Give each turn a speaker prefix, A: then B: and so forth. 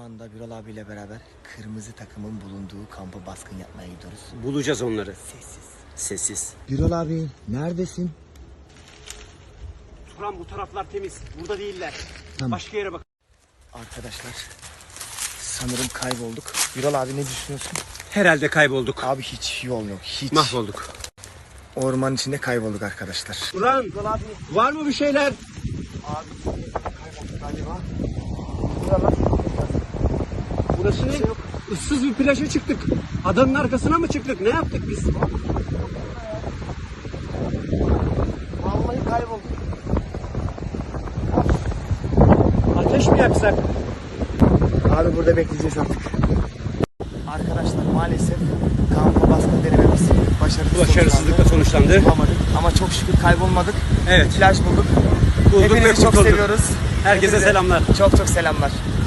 A: anda Birol abiyle beraber kırmızı takımın bulunduğu kampa baskın yapmaya gidiyoruz.
B: Bulacağız onları.
A: Sessiz.
B: Sessiz.
A: Birol abi neredesin?
B: Turan bu taraflar temiz. Burada değiller.
A: Tamam.
B: Başka yere bak.
A: Arkadaşlar sanırım kaybolduk. Birol abi ne düşünüyorsun?
B: Herhalde kaybolduk.
A: Abi hiç yol yok. Hiç.
B: Mahvolduk.
A: Ormanın içinde kaybolduk arkadaşlar.
B: Turan var mı bir şeyler?
A: Abi kaybolduk galiba. Buralar.
B: Burası ne? Issız bir plaja çıktık. Adanın arkasına mı çıktık? Ne yaptık biz?
A: Vallahi kaybolduk.
B: Ateş mi yaksak?
A: Abi burada bekleyeceğiz artık. Arkadaşlar maalesef kampa baskın denememiz
B: Başarısızlıkla sonuçlandı.
A: Bulamadık. Ama çok şükür kaybolmadık.
B: Evet.
A: Plaj bulduk.
B: Bulduk ve
A: Hepinizi çok
B: kurtulduk.
A: seviyoruz.
B: Herkese
A: Hepinize
B: selamlar.
A: Çok çok selamlar.